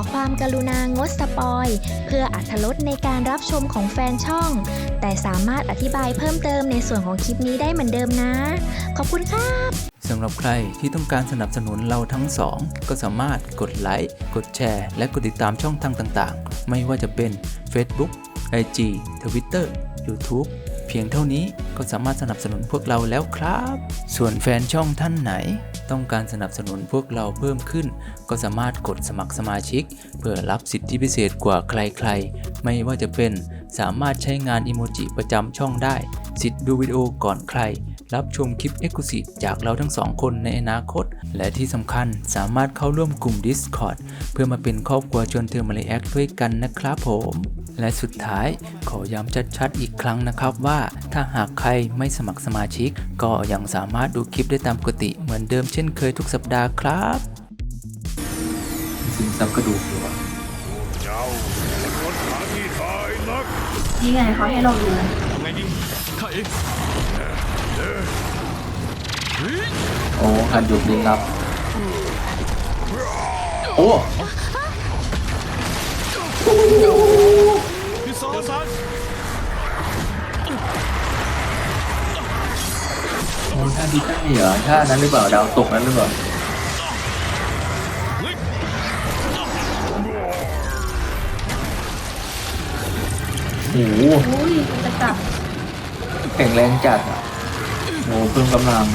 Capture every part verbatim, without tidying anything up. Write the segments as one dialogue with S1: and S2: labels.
S1: ความกรุณางดสปอยเพื่ออรรถรสในการรับชมของแฟนช่องแต่สามารถอธิบายเพิ่มเติมในส่วนของคลิปนี้ได้เหมือนเดิมนะขอบคุณครับ
S2: สำหรับใครที่ต้องการสนับสนุนเราทั้งสองก็สามารถกดไลค์กดแชร์และกดติดตามช่องทางต่างๆไม่ว่าจะเป็น Facebook ไอ จี Twitter YouTube เพียงเท่านี้ก็สามารถสนับสนุนพวกเราแล้วครับส่วนแฟนช่องท่านไหนต้องการสนับสนุนพวกเราเพิ่มขึ้นก็สามารถกดสมัครสมาชิกเพื่อรับสิทธิพิเศษกว่าใครๆไม่ว่าจะเป็นสามารถใช้งานอิโมจิประจำช่องได้สิทธิ์ดูวิดีโอก่อนใครรับชมคลิป Exclusive จากเราทั้งสองคนในอนาคตและที่สำคัญสามารถเข้าร่วมกลุ่ม Discord เพื่อมาเป็นครอบครัวชวนเธอมาเลแอคด้วยกันนะครับผมและสุดท้ายขอย้ำชัดๆอีกครั้งนะครับว่าถ้าหากใครไม่สมัครสมาชิกก็ยังสามารถดูคลิปได้ตามปกติเหมือนเดิมเช่นเคยทุกสัปดาห์ครับสินซับกระดูกอยู่วะ
S3: เจ้าเป็นคนหาที่ตายนัก
S4: นี่ไงเขาให้เราดูนะ
S3: ไงดีข้าเอง
S2: โอ้หันหยุดลิงลับโอ้
S3: พี่ซอซัน
S2: โอ้ท่าดีท่าเหรอท่านั้นหรือเปล่าดาวตกนั้นหรือเปล่าโอ้โห
S4: จะกลับ
S2: แข็งแรงจัดอ่ะโอ้เพิ่มกำลัง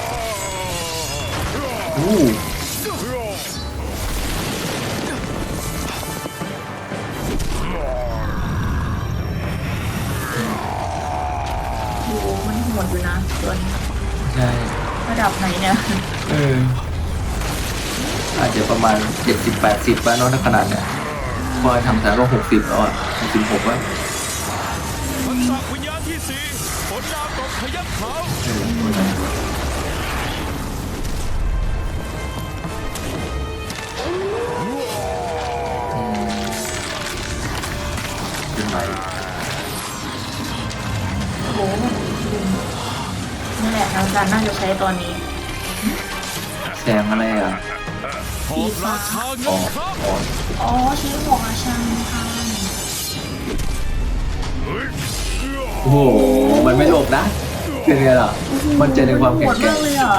S2: โอ้
S4: โหมันโหดอยู่นะตัวนี้
S2: ใช่
S4: ระดับไหนเนี่ย
S2: เอออาจจะประมาณเจ็ดสิบแปดสิบป่ะเนาะถ้าขนาดเนี้ยพอทำสายก็หกสิบแล้วอ่ะหกสิบหกแล้ว
S3: ทักษะวิญญาณที่สี่ฝนดาวตกพยัคฆ์ขาว
S2: เป็นไร
S4: โอ้โหนี่แหละทางการน่าจะใช้ตอนนี้
S2: แสงอะไรอ่ะ
S4: สีฟ้า
S2: อ๋ออ๋อ
S4: อ๋อชื่อของอาชันค่ะ
S2: โอ้โหมันไม่หลบนะเป็นไงล่ะมันเจอในความแข็งแกร่ง
S4: เลยอ่ะ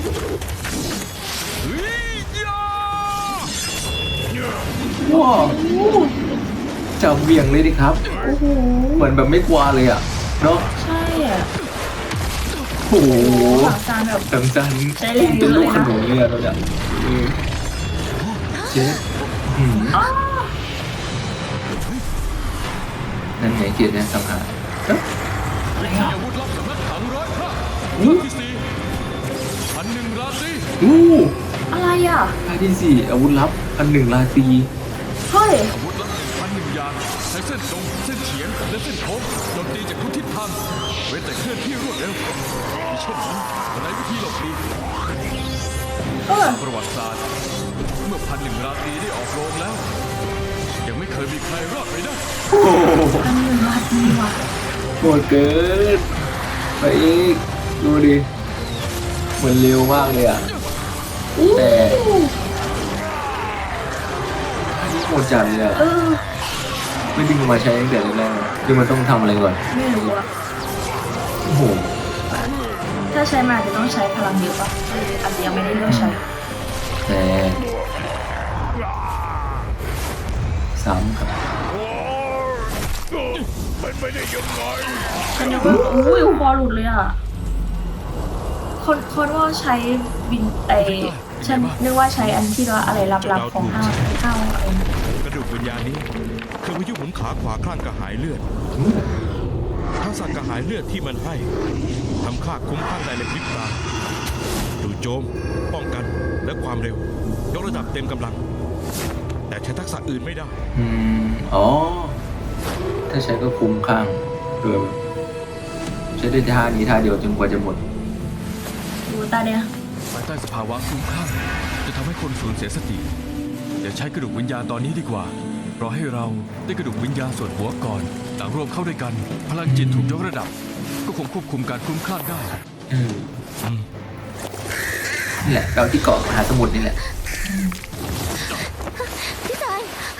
S2: ว้าวจะเบี่ยงเลยดิครับเหมือนแบบไม่กลัวเลยอ่ะเนาะ
S4: ใช่อ่ะ
S2: โอ้โห
S4: ถังจานแบบ
S2: ถังจานเป็นลูกขนุนเลยอ่ะเราเนี่ยเจ๊นั่นไงเกียรติเนี่ยสังหาร
S4: อะไรอ่ะ
S3: อาวุธลับสำนักถังร้อยพระท่าที่สี่พันหนึ่งราตรี
S2: อู้
S4: อะไรอ่ะ
S2: ท่าที่สี่อาวุธลับพันหนึ่งราตรี
S4: เฮ้ย
S3: อาวุธลับพันหนึ่งอย่างใช้เส้นตรงเส้นเฉียงและเส้นโค้งโจมตีจากทุกทิศทางเว้นแต่เคลื่อนที่รวดเร็วมีเช่นนั้นในวิธีหลบหลีกประวัติศาสตร์เมื่อพันหนึ่งราตรีได้ออกโรงแล้วยังไม่เคยมีใครรอดไปได้
S4: พันหนึ่งราตรีว่ะ
S2: โหดเกินไปอีกดูดิเหมือนเร็วมากเลยอ่ะแต่โหดจัดเลยอ่ะไม่ดึงมาใช้ตั้งแต่แรกๆคือมันต้องทำอะไรก่อน
S4: ไม่รู้อ่ะ
S2: โอ้โห
S4: ถ้าใช้มาจะต้องใช้พลังเยอะป่ะอาจจะยังไม่ได้เลือกใช้
S2: แต่ซ้ำครับ
S3: เป็นไปได้ยังไง
S4: ฉันนึกว่าอุ้ยคอหลุดเลยอ่ะคนคนว่าใช้บินไอฉันนึกว่าใช้อันที่ว่าอะไรลับๆของห้าวห้าวอะไร
S3: กระดูกวิญญาณนี้คือพายุหมุนขาขวาคลั่งกระหายเลือดทักษะกระหายเลือดที่มันให้ทำค่าคุ้มข้างได้ในพริบตาดูโจมป้องกันและความเร็วยกระดับเต็มกำลังแต่ใช้ทักษะอื่นไม่ได้
S2: อืมอ๋อถ้าใช้ก็คุ้มข้างเออใช้ได้ท่านี้ท่าเดียวจนกว่าจะหมด
S4: ดูตาเนี่ย
S3: ภายใต้สภาวะคุ้มข้างจะทำให้คนสูญเสียสติอย่าใช้กระดูกวิญญาณตอนนี้ดีกว่ารอให้เราได้กระดูกวิญญาณส่วนหัวก่อนต่างรวมเข้าด้วยกันพลังจิตถูกยกระดับก็คงควบคุมการคุ้มข้างได้
S2: อืมนี่แหละเราที่เกาะมหาสมุทรนี่แหละ
S1: พี่ชาย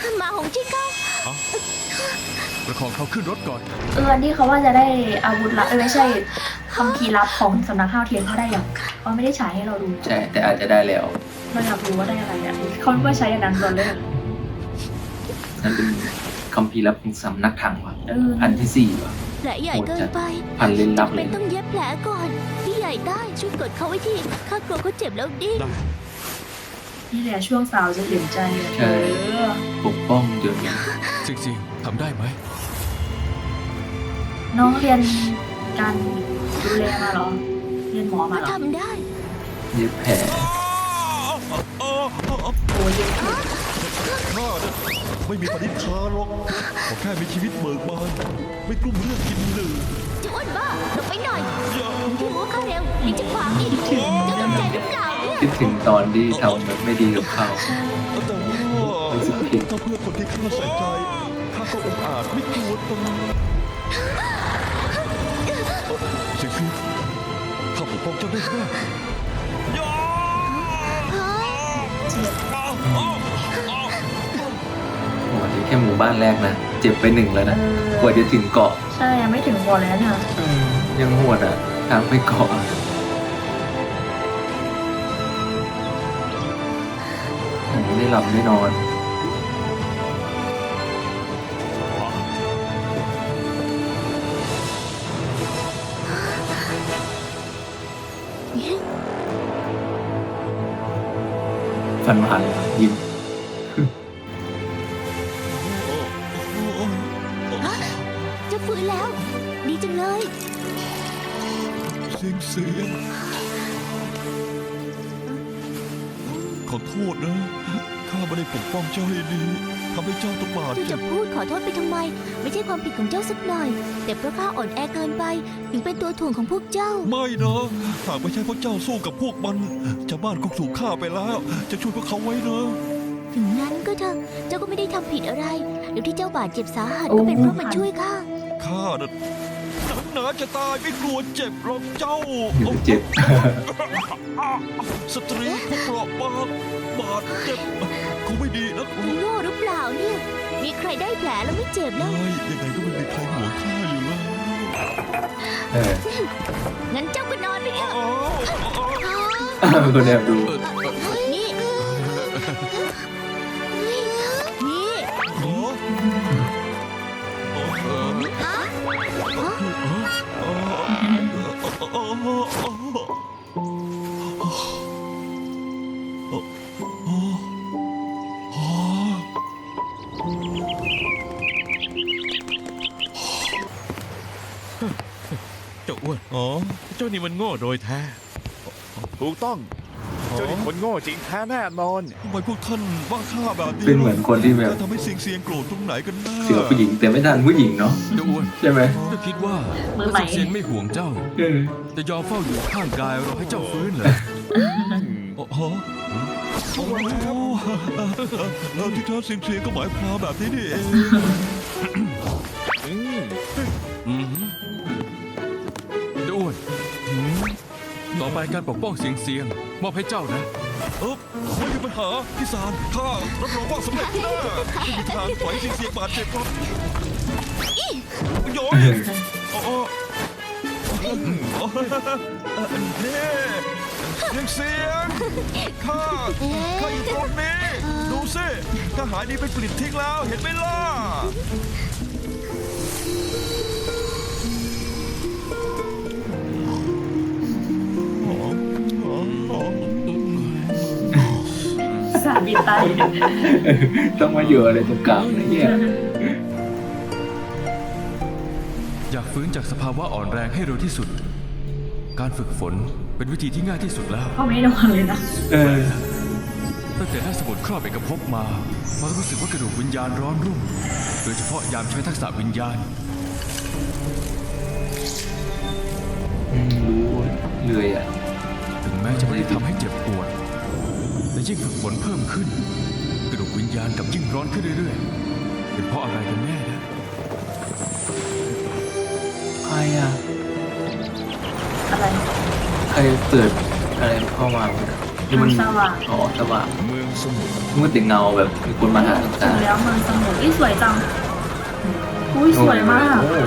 S5: ของเขาขึ้นรถก่อน
S4: เอออันที่เขาว่าจะได้อาวุธลับเออไม่ใช่คัมภีร์ลับของสำนักข้าวเทียนเขาได้อย่างเขาไม่ได้ฉายให้เราดู
S2: ใช่แต่อาจจะได้แล้ว
S4: เราอยากรู้ว่าได้อะไรอ่ะเขาว่าใช้อันนั้นก่อนเลย
S2: นั่นเป็นคัมภีร์ลับของสำนักถังว่ะ
S4: เออ
S2: อันที่สี่ว่ะ
S6: แผลใหญ่เกินไป
S2: พันเล่นลับเล
S6: เป็
S2: ย
S6: นต้องเย็บแผลก่อน พี่ใหญ่ได้ช่วยกดเขาไว้ทีข้ากลัวเขาเจ็บแล้วดิ้น
S3: ได้
S4: นี่แหละช่วงสาวจะเห็นใจอะ
S2: ใช่
S4: เออ
S2: ปกป้องเดี๋ยวนี้
S5: จริงๆทำได้ไหม
S4: น้องเรียนการดูแลมาเหรอ เรียนหมอมา
S6: ก็
S4: เหรอ
S6: ทำได้
S2: เย็บแผล
S4: โอ้ยเย็นเก่ง
S7: ข้าเนี่ยไม่มีปณิธานหรอกขอแค่มีชีวิตเบิกบาน ไม่กลุ้มเรื่องกินหนึ่ง
S6: จะอ้วนบ้าหลบไปหน่อยพี่รู้ข้าเร็วนี่จะขวางอีกจะสนใจหรือเปล่าเนี่ย
S2: คิดถึงตอนที่ทำแบบไม่ดีกับเขา
S7: แต่ว่า
S2: รู้สึกผิด
S7: ถ้าเพื่อคนที่ข้าใส่ใจข้าก็องอาจไม่กลัวตนเสียงซีข้าปกป้องเจ้าได้แน่
S2: โอ้นี่แค่หมู่บ้านแรกนะ เจ็บไปหนึ่งแล้วนะ กว่าจะถึงเกาะ
S4: ใช่ยังไม่ถึงบ่อแล้วเนี่ย
S2: ยังโหดอ่ะ ทางไปเกาะอะผมไม่ได้หลับไม่นอน ฟันหันยิ้ม
S6: จะฟื้นแล้ว ดีจังเลย
S7: เสียงเสียงขอโทษนะ ข้าไม่ได้ปกป้องเจ้าให้ดีทำให้เจ้าต้องบาด
S6: เจ้า
S7: เจ็
S6: จะ
S7: บ
S6: พูดขอโทษไปทำไม ไม่ใช่ความผิดของเจ้าสักหน่อย แต่เพราะข้าอ่อนแอเกินไป ถึงเป็นตัวถ่วงของพวกเจ้า
S7: ไม่นะหากไม่ใช่เพราะเจ้าสู้กับพวกมันชาวบ้านก็ถูกฆ่าไปแล้ว จะช่วยพวกเขาไว้นะ
S6: ถึงนั้นก็เถอะ เจ้าก็ไม่ได้ทำผิดอะไรแล้วที่เจ้าบาดเจ็บสาหัสก็เป็นเพราะมันช่วยข้า
S7: ข้าน่ะหนังหนาจะตายไม่กลัวเจ็บหรอกเจ้า
S2: อยู่เจ็บ
S7: สตรีผู้เปราะบางบาดเจ็บคงไม่ดีนะ
S6: โง่หรือเปล่าเนี่ย มีใครได้แผลแล้วไม่เจ็บแล้ว
S7: ไม่ยังไงก็ไม่มีใครห่วงข้าอยู่แล้ว
S2: เออ
S6: งั้นเจ้าก็นอนไปเถอะ
S7: อ้าว
S2: เป็นคนแอบดู
S6: นี่ นี่
S7: อ๋ออ๋ออ๋ออ๋อ
S3: เจ้าอ้วน
S7: อ๋อ
S3: เจ้านี่มันโง่โดยแท้
S8: ถูกต้อง เจ้านี่คนโง่จริงแท้แน่นอน
S7: ทำไมพวกท่านว่าข้าแบบนี้
S2: เป็นเหมือนคนที่แบบ
S7: ข้าทำให้เสียงเสียงโกรธตรงไหนกันแน่
S2: เสือผู้หญิงแต่ไม่ทันผู้หญิงเนาะ
S5: เจ้าอ้วน
S2: ใช่ไหม
S5: เจ้าคิดว่า
S4: มือใหม่
S5: เซียนไม่ห่วงเจ้า
S2: เออ
S5: จะยอมเฝ้าอยู่ข้างกายรอให้เจ้าฟื้นเหรอ
S7: อ๋อฮะโอ้โหเออที่แท้เสียงเสียงก็หมายความแบบนี้นี่เอง
S5: อืมเจ้าอ้วนต่อไปการปกป้องเสียงเสียงมอบให้เจ้านะ
S7: เออไม่มีปัญหาพี่สารข้ารับรองว่าสำเร็จแน่ไม่มีทางปล่อยเสียงเสียงบาดเจ็บหรอกโยนอ๋อนี่เสียงเสียงข้าข้าอยู่ตรงนี้ดูสิทหารนี่เป็นปลิดทิ้งแล้วเห็นไหมล่ะ
S4: สาบินไต
S2: ต้องมาอยู่อะไรตรงกลางนะเนี่ย
S5: อยากฟื้นจากสภาวะอ่อนแรงให้เร็วที่สุด การฝึกฝนเป็นวิธีที่ง่ายที่สุดแล้ว
S4: เขาไม่ได้นอนเลยนะ
S2: เออ
S5: ตั้งแต่ได้สมุดครอบเอกภพมามารู้สึกว่ากระดูกวิญญาณร้อนรุ่ม โดยเฉพาะยามใช้ทักษะวิญญาณ
S2: อืมรู้เลยอ่ะ
S5: ถึงแม้จะไม่ได้ทำให้เจ็บปวด แต่ยิ่งฝึกฝนเพิ่มขึ้น กระดูกวิญญาณกลับยิ่งร้อนขึ้นเรื่อยๆ เป็นเพราะอะไรกันแน่นะ
S2: ใครอ่ะ
S4: อะไร
S2: ใครเปิดอะไรเข้ามาที่มัน
S4: สว่าง
S2: อ๋อสว่าง
S8: เมืองสมุทร
S2: มืดแต่เงาแบบมีคนมาหา
S4: ถึ
S2: ตาง
S4: แล้วเมืองสมุทรอีสวยจัง
S2: อ
S4: อุ้ยสวยมาก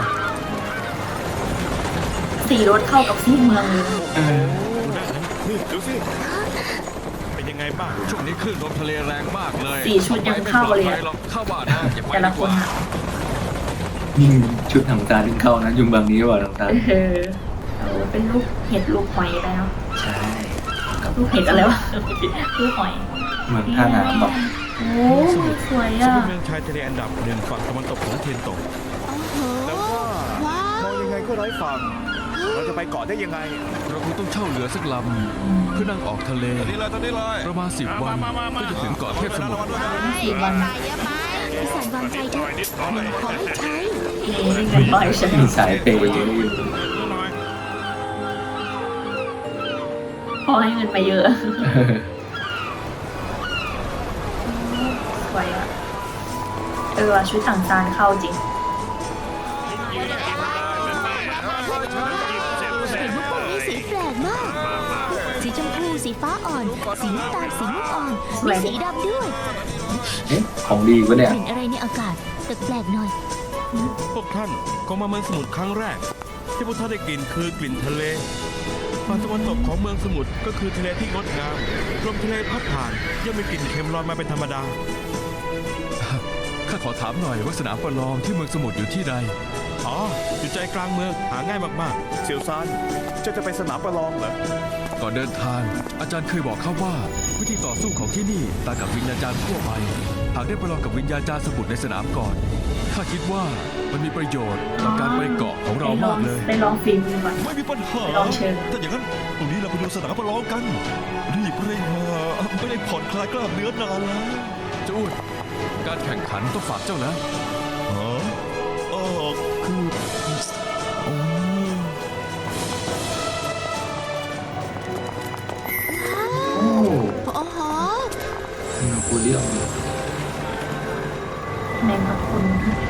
S4: สีรถเข้ากับสีเมืองเลย
S2: เออ
S7: นี่ดูสิ
S3: เป็นยังไงบ้าง
S5: ช่วงนี้คลื่นลมทะเลแรงมากเลย
S4: สีชุดยังเข้าเลยอะ
S5: หรอกเข้าบ้านนะอย่าไป
S4: แต่ละ
S5: ดี
S4: ค
S5: ก
S4: น
S5: ว่า
S4: อะ
S2: ยิ่งชุดทางตาถึงเข้านะยุงบางนี้ว่าทางตา
S4: เออเอาเป็นลูกเห็ดลูกหอยแล้ว
S2: ใช่กับ
S4: ลูกเห็ดอะไรวะ ลูกหอย
S2: เมืองท่าน้ำบอก
S4: โอ้สวย
S3: ซึ่ง
S4: อ่ะ
S3: เป็นเมืองชายทะเลอันดับหนึ่งฝั่งตะวันตกของเทียนโตก
S6: โอ้โห
S8: แต่ว่า
S6: ว้าม ว
S8: องยังไงก็ไร้ฝั่ง เราจะไปเกาะได้ยังไง
S5: เราคงต้องเช่าเรือสักลำเพื่อนั่งออกทะเล
S7: ตอนนี้เลยตอนนี้เลย
S5: ประมาณสิบวันก็จะถึงเกาะเทพสมุทร
S4: สี่วัน
S6: พี่สารวางใจเถอะขอให้ใช้
S4: นี่เงินบ่อยใช่ไหม
S2: มีสายเปย์เยอะอยู่
S4: พอให้เงินมาเยอะ สวยอ่ะ เออชุดต่างจานเข้าจริง
S6: เห็นว่าพวกนี้สีแปลกมาก สีชมพู สีฟ้าอ่อน สีน้ำตาล สีม่วงอ่อน
S4: สวย
S6: มีสีดำด้วย
S2: เอ๊ะของดีวะเนี่ย
S6: กลิ่นอะไรในอากาศแปลกๆหน่อย
S3: พวกท่านก็มาเมืองสมุทรครั้งแรก ที่พวกท่านได้กลิ่นคือกลิ่นทะเลฝั่งตะวันตกของเมืองสมุทรก็คือทะเลที่งดงามลมทะเลพัดผ่านย่อมมีกลิ่นเค็มลอยมาเป็นธรรมดา
S5: ข้าขอถามหน่อยว่าสนามประลองที่เมืองสมุทรอยู่ที่ใด
S3: อ๋อ อยู่ใจกลางเมืองหาง่ายมาก
S8: เสี่ยวซานเจะจะไปสนามประลองเหรอ
S5: ก่อนเดินทาง อาจารย์เคยบอกข้าว่า วิธีต่อสู้ของที่นี่ต่างกับวิญญาจารย์ทั่วไป หากได้ประลองกับวิญญาจารย์สมุทรในสนามก่อนข้าคิดว่ามันมีประโยชน์ต่อการไปเกาะของเรา
S4: ได้ลอ
S5: มาง กเลย
S4: ได้ลองฟิล์มดูก่อน
S7: ไม่มีปัญหา
S4: ลองเชิญ
S7: ถ้าอย่างนั้นตรงนี้เราไปดูสนามประลองกัน รีบเร่งมาไม่ได้ผ่อนคลายกล้ามเนื้อนานแล้ว
S5: เจ้าอ้วนการแข่งขันต้องฝากเจ้าแล้ว
S7: ฮะเออคือโอ้
S2: โอ้
S6: โอ้โห
S2: นาโปเลียน
S4: แมงกะพรุน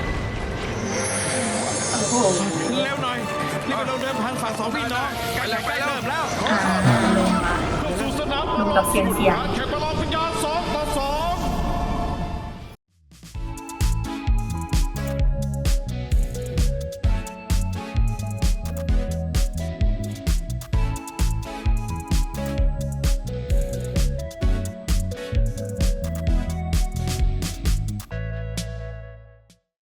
S4: โอ้โห
S3: ๆเร็วหน่อยนี่เป็นเราเดินผ่านฝั่งสองพี่น้องการแข่งขันเริ่มแล้ว
S4: อ่าลงมา
S3: สู่สนาม
S4: ลงกับเสียงเสียง
S3: แข่งประล